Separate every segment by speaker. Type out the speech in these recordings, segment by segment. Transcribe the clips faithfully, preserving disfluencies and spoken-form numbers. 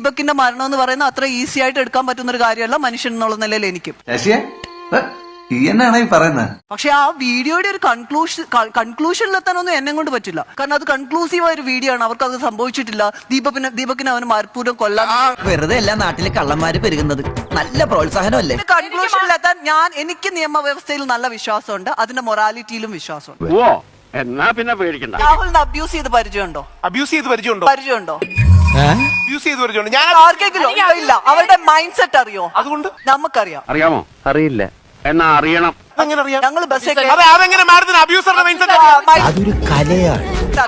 Speaker 1: ദീപകിന്റെ മരണം എന്ന് പറയുന്നത് അത്ര ഈസി ആയിട്ട് എടുക്കാൻ പറ്റുന്ന ഒരു കാര്യമല്ല മനുഷ്യൻ എന്നുള്ള നിലയിൽ എനിക്കും.
Speaker 2: എന്നാണ് ഈ പറയുന്നത്?
Speaker 1: പക്ഷെ ആ വീഡിയോയുടെ ഒരു കൺക്ലൂഷൻ കൺക്ലൂഷനിലെത്താനൊന്നും എന്നെ കൊണ്ട് പറ്റില്ല. കാരണം അത് കൺക്ലൂസീവ് ആയ ഒരു വീഡിയോ ആണ്. അവർക്ക് അത് സംഭവിച്ചിട്ടില്ല. ദീപകിന് ദീപകിനെ അവന് മനഃപൂർവ്വം കൊല്ലാൻ
Speaker 3: വെറുതെ എല്ലാ നാട്ടിലെ കള്ളന്മാര് പെരുകുന്നത് നല്ല പ്രോത്സാഹനമല്ലേ?
Speaker 1: കൺക്ലൂഷനിലെത്താൻ ഞാൻ എനിക്ക് നിയമവ്യവസ്ഥയിൽ നല്ല വിശ്വാസമുണ്ട്, അതിന്റെ മൊറാലിറ്റിയിലും വിശ്വാസമുണ്ട്.
Speaker 4: എന്നാ പിന്നെ പേടിക്കണ്ട.
Speaker 1: രാഹുലിന് അബ്യൂസ് ചെയ്ത് പരിചയമുണ്ടോ?
Speaker 5: അബ്യൂസ് ചെയ്ത് പരിചയമുണ്ടോ?
Speaker 1: പരിചയമുണ്ടോ?
Speaker 5: അബ്യൂസ് ചെയ്ത് പരിചയമുണ്ടോ? ഞാൻ
Speaker 1: ആർക്കെങ്കിലും ഇല്ല. അവരുടെ മൈൻഡ് സെറ്റ് അറിയോ?
Speaker 5: അതുകൊണ്ട്
Speaker 1: നമുക്കറിയാം.
Speaker 4: അറിയാമോ? അറിയില്ല. എന്നാ അറിയണം.
Speaker 1: ഞങ്ങൾ ബസ്
Speaker 5: അതെങ്ങനെ മാഡത്തിന് അബ്യൂസറുടെ മൈൻഡ് സെറ്റ്
Speaker 3: അതൊരു കലയാണ്.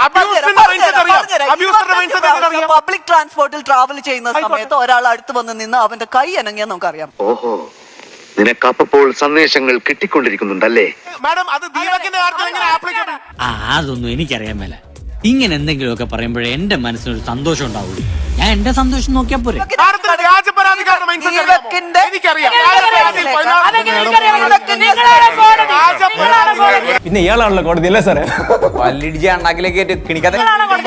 Speaker 1: പബ്ലിക് ട്രാൻസ്പോർട്ടിൽ ട്രാവൽ ചെയ്യുന്ന സമയത്ത് ഒരാൾ അടുത്ത് വന്ന് നിന്ന് അവന്റെ കൈ അനങ്ങിയാൽ നമുക്കറിയാം.
Speaker 6: ഓഹോ, നിനക്കപ്പോൾ സന്ദേശങ്ങൾ കിട്ടിക്കൊണ്ടിരിക്കുന്നുണ്ടല്ലേ?
Speaker 5: മാഡം, അത് ദീപകിന്റെ കാര്യത്തിൽ എങ്ങനെ ആപ്ലിക്കബിൾ?
Speaker 7: ആ അതൊന്നും എനിക്കറിയാൻ മേല. ഇങ്ങനെ എന്തെങ്കിലുമൊക്കെ പറയുമ്പോഴേ എന്റെ മനസ്സിനൊരു സന്തോഷം ഉണ്ടാവുള്ളൂ. ഞാൻ എന്റെ സന്തോഷം നോക്കിയാ പോരെ.
Speaker 8: പിന്നെ ഇയാളാണല്ലോ കോടതി അല്ലേ സാറേ? പല്ലിടിച്ച് അണ്ണാക്കിലേക്ക് കിണിക്കാതെ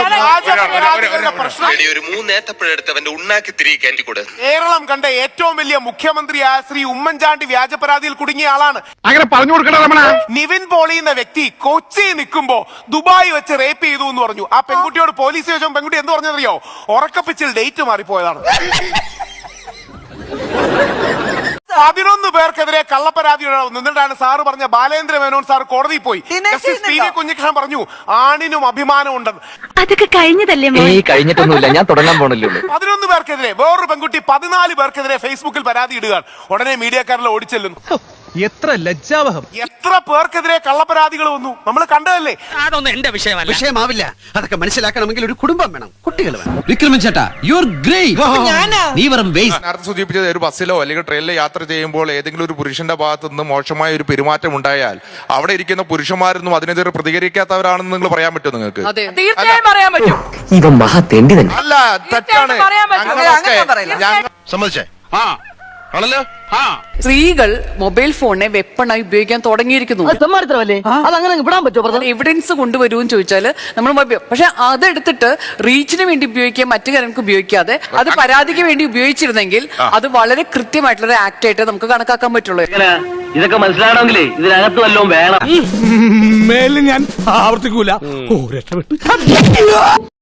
Speaker 5: കേരളം കണ്ട ഏറ്റവും വലിയ മുഖ്യമന്ത്രിയായ ശ്രീ ഉമ്മൻചാണ്ടി വ്യാജ പരാതിയിൽ കുടുങ്ങിയ ആളാണ്.
Speaker 4: അങ്ങനെ പറഞ്ഞു കൊടുക്കണ
Speaker 5: നിവിൻ പോളി എന്ന വ്യക്തി കൊച്ചി നിൽക്കുമ്പോ ദുബായ് വെച്ച് റേപ്പ് ചെയ്തു എന്ന് പറഞ്ഞു. ആ പെൺകുട്ടിയോട് പോലീസ് ചോദിച്ചോ പെൺകുട്ടി എന്ത് പറഞ്ഞറിയോ? ഉറക്കപ്പിച്ചിൽ ഡേറ്റ് മാറിപ്പോയതാണ്. പതിനൊന്ന് പേർക്കെതിരെ കള്ളപ്പരാതി നിന്നിട്ടാണ് സാറ് പറഞ്ഞ ബാലേന്ദ്ര മേനോൻ സാർ കോടതിയിൽ പോയി. കുഞ്ഞിക്കൃഷ്ണൻ പറഞ്ഞു ആണിനും അഭിമാനം ഉണ്ടെന്ന്.
Speaker 9: അതൊക്കെ കഴിഞ്ഞതല്ലേ?
Speaker 6: കഴിഞ്ഞിട്ടൊന്നുമില്ല, ഞാൻ തുടങ്ങാൻ പോണല്ലോ.
Speaker 5: പതിനൊന്ന് പേർക്കെതിരെ വേറൊരു പെൺകുട്ടി പതിനാല് പേർക്കെതിരെ ഫേസ്ബുക്കിൽ പരാതി ഇടുകയാണ്. ഉടനെ മീഡിയക്കാരെല്ലാം ഓടിച്ചെല്ലുന്നു.
Speaker 8: എത്ര ലജ്ജാവഹം!
Speaker 5: എത്ര പേർക്കെതിരെ കള്ളപ്പരാതികൾ വന്നു നമ്മൾ കണ്ടതല്ലേ?
Speaker 7: അതൊന്നും എന്റെ വിഷയമല്ല.
Speaker 3: വിഷയമാവില്ല. അതൊക്കെ മനസ്സിലാക്കണമെങ്കിൽ ഒരു കുടുംബം വേണം, കുട്ടികൾ വേണം.
Speaker 8: വിക്രമൻ ചേട്ടാ, യു ആർ ഗ്രേറ്റ്. നീ വെറും വേസ്റ്റ്.
Speaker 10: നേരത്തെ സൂചിപ്പിച്ചത് ഒരു ബസ്സിലോ അല്ലെങ്കിൽ ട്രെയിനിലോ യാത്ര ചെയ്യുമ്പോൾ ഏതെങ്കിലും ഒരു പുരുഷന്റെ ഭാഗത്ത് നിന്ന് മോശമായ ഒരു പെരുമാറ്റം ഉണ്ടായാൽ അവിടെ ഇരിക്കുന്ന പുരുഷന്മാരൊന്നും അതിനെതിരെ പ്രതികരിക്കാത്തവരാണെന്ന് നിങ്ങൾ പറയാൻ പറ്റുമോ നിങ്ങൾക്ക്?
Speaker 6: ഇവൻ മഹാ തെണ്ടി തന്നെ.
Speaker 10: അല്ല, തെറ്റാണ്.
Speaker 2: സമ്മതിച്ചേ?
Speaker 10: ആണല്ലോ.
Speaker 11: സ്ത്രീകൾ മൊബൈൽ ഫോണിനെ വെപ്പണായി ഉപയോഗിക്കാൻ തുടങ്ങിയിരിക്കുന്നു. എവിഡൻസ് കൊണ്ടുവരുമെന്ന് ചോദിച്ചാല് നമ്മൾ പക്ഷെ അതെടുത്തിട്ട് റീച്ചിന് വേണ്ടി ഉപയോഗിക്കുക, മറ്റു കാര്യങ്ങൾക്ക് ഉപയോഗിക്കാതെ അത് പരാതിക്ക് വേണ്ടി ഉപയോഗിച്ചിരുന്നെങ്കിൽ അത് വളരെ കൃത്യമായിട്ടുള്ള ആക്ട് ആയിട്ട് നമുക്ക് കണക്കാക്കാൻ പറ്റുള്ളൂ.
Speaker 4: ഇതൊക്കെ മനസ്സിലാവണമെങ്കിലേ ഇതിനകത്ത് വല്ലതും വേണം.
Speaker 8: മേലിൽ ഞാൻ ആവർത്തിക്കൂല. ഓ രക്ഷപ്പെട്ടു.